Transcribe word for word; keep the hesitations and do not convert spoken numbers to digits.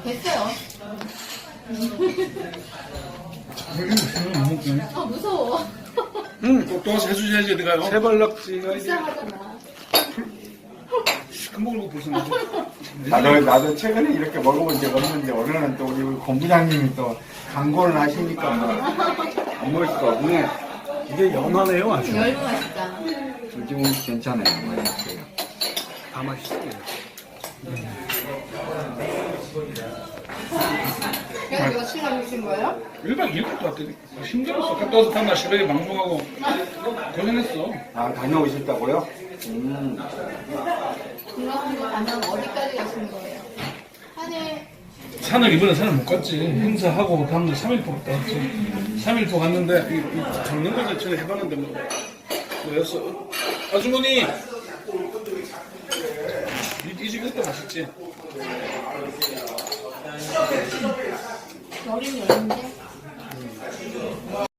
됐어요. 이거 무슨 못 먹겠네. 아 무서워. 응, 또, 또 해주셔야지, 내가요. 세발낙지가 이제. 이상하잖아. 큰 먹을 거 벌써 나도. 나도, 나도 최근에 이렇게 먹어본 적 없는데, 오늘은 또 우리 본부장님이 또 광고를 하시니까 뭐, 안 먹을 수가 없네. 이게 연하네요, 아주. 열무 맛있다. 솔직히 괜찮아요. 맛있어요. 다 맛있어요. 그래서 이거 시간 주신 거예요? 일박 이일 갔다 왔더니 힘들었어. 갔다 와서 다음날 새벽에 방송하고 고생했어. 아, 다녀오셨다고요? 음. 중간중간 가면 어디까지 가시는 거예요? 산에 산을 이번에 산을 못 갔지. 행사하고 다음날 삼일포 갔다 왔지. 삼일포 갔는데 이, 이 잡는 걸 전에 해봤는데 뭐 뭐였어? 아주머니 이, 이 집 이것도 맛있지? 여름 여름인데